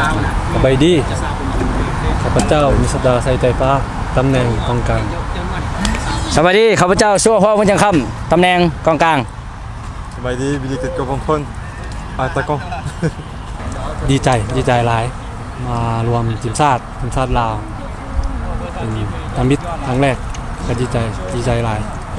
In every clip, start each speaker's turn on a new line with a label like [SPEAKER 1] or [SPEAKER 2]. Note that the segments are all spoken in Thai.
[SPEAKER 1] สบายดีข้าพเจ้ามิสดาไซไตฟ้าตำแหน่งกองกลาง
[SPEAKER 2] สวัสดีข้าพเจ้าชั่วพ่อพุ่งจังคำตำแหน่งกองกลาง
[SPEAKER 3] สบายดีบิลลี่เกิดกับคนอาตะกอง
[SPEAKER 1] ดีใจหลายมารวมทีมชาติลาวทำมิตรครั้งแรกก็ดีใจหลาย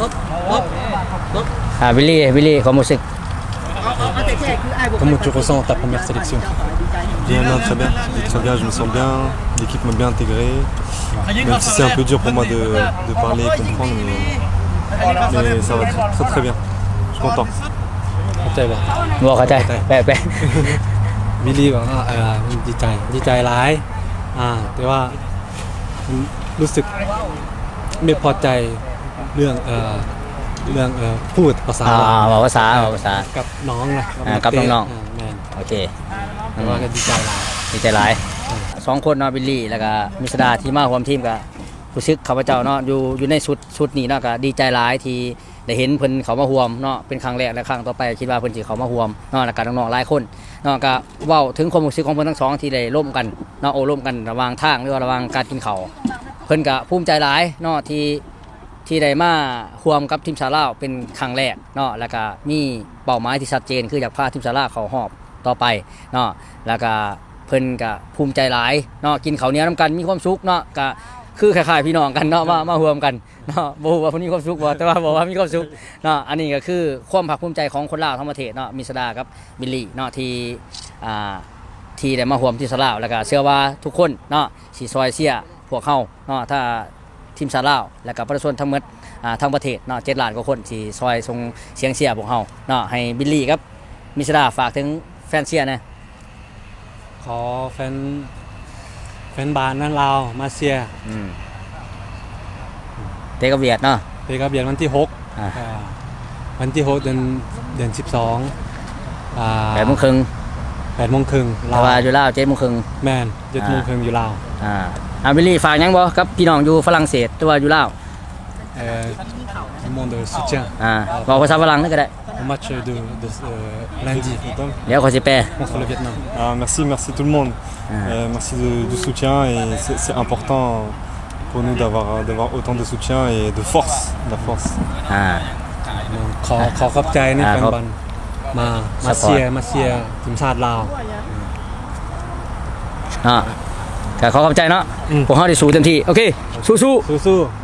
[SPEAKER 2] วิลลี่ความรู้สึก
[SPEAKER 1] Comment tu ressens ta première sélection?
[SPEAKER 3] Bien, très bien. Très bien, je me sens bien. L'équipe m'a bien intégré. Même si c'est un peu dur pour moi de parler et comprendre, mais ça va très bien. Je suis content.
[SPEAKER 1] เข้าใจป่ะ
[SPEAKER 2] บอกเข้าใจแปล
[SPEAKER 1] บิลลี่บอกว่าดีใจหลายแต่ว่ารู้สึกไม่พอใจเรื่องพูดภาษา
[SPEAKER 2] บอกภาษา
[SPEAKER 1] กับน้องนะ
[SPEAKER 2] กับน้อง
[SPEAKER 1] แม่น
[SPEAKER 2] โอเค
[SPEAKER 1] แต่ว่าก็ดีใจหลาย
[SPEAKER 2] 2คนเนาะบิลลี่แล้วก็มิสดาที่มาร่วมทีมก็รู้สึกข้าพเจ้าเนาะอยู่ในชุดนี้เนาะก็ดีใจหลายที่ได้เห็นเพิ่นเขามาร่วมเนาะเป็นครั้งแรกและครั้งต่อไปคิดว่าเพิ่นสิเขามาร่วมเนาะแล้วก็น้องๆหลายคนเนาะก็เว้าถึงความรู้สึกของเพิ่นทั้งสองที่ได้ร่วมกันเนาะร่วมกันระหว่างทางหรือว่าระหว่างการกินข้าวเพิ่นก็ภูมิใจหลายเนาะที่ได้มาร่วมกับทีมชาติลาวเป็นครั้งแรกเนาะแล้วก็มีเป้าหมายที่ชัดเจนคืออยากพาทีมชาติลาวเข้ารอบต่อไปเนาะแล้วก็เพิ่นก็ภูมิใจหลายเนาะกินข้าวเหนียวนํกันมีความสุขเนาะก็คือคล้ายๆพี่น้องกันเนาะมาร่วมกันเนาะบ่ฮู้ว่าเพิ่นมีความสุขบ่แต่ว่าบอกว่ามีความสุขเนาะอันนี้ก็คือความภาคภูมิใจของคนลาวทั้งประเทศเนาะมิสดากับบิลลี่เนาะที่ได้มาร่วมทีมชาติลาวแล้วก็เชื่อว่าทุกคนเนาะสิซอยเชียร์พวกเฮาเนาะถ้าทีมชาติลาวแล้วก็ประชาชนทั้งหมดทั้งประเทศเนาะ7ล้านกว่าคนที่ซอยส่งเสียงเชียร์พวกเฮาเนาะให้บิลลี่ครับมิสดาฝากถึงแฟนเชียร์นะ
[SPEAKER 1] ขอแฟนบ้านนั้นลาวมาเชียร์
[SPEAKER 2] เตะกับเวียดเนาะ
[SPEAKER 1] เตะกับเวียดวันที่6วันที่6เดือน12 8:30
[SPEAKER 2] ลาวอยู่ลาว
[SPEAKER 1] 7:30แม่น7:30อยู่ลาว
[SPEAKER 2] บิลลี่ฝากยังบ่กับพี่น้องอยู่ฝรั่งเศสตัวอยู่ลาว
[SPEAKER 1] monde soutien
[SPEAKER 2] บอกภาษาฝรั่งนั่นก็ได้
[SPEAKER 1] au match de lundi
[SPEAKER 2] เดี๋ยวขอสิแปล
[SPEAKER 1] contre le Vietnam
[SPEAKER 3] merci tout le monde merci du soutien et c'est important pour nous d'avoir autant de soutien et de force la force
[SPEAKER 1] ขอขอบใจนะแฟนบอลมาเชียร์ทีมชาติลาว
[SPEAKER 2] ก็ขอขอบใจเนาะพวกเฮาได้สู้เต็มที่โอเคสู้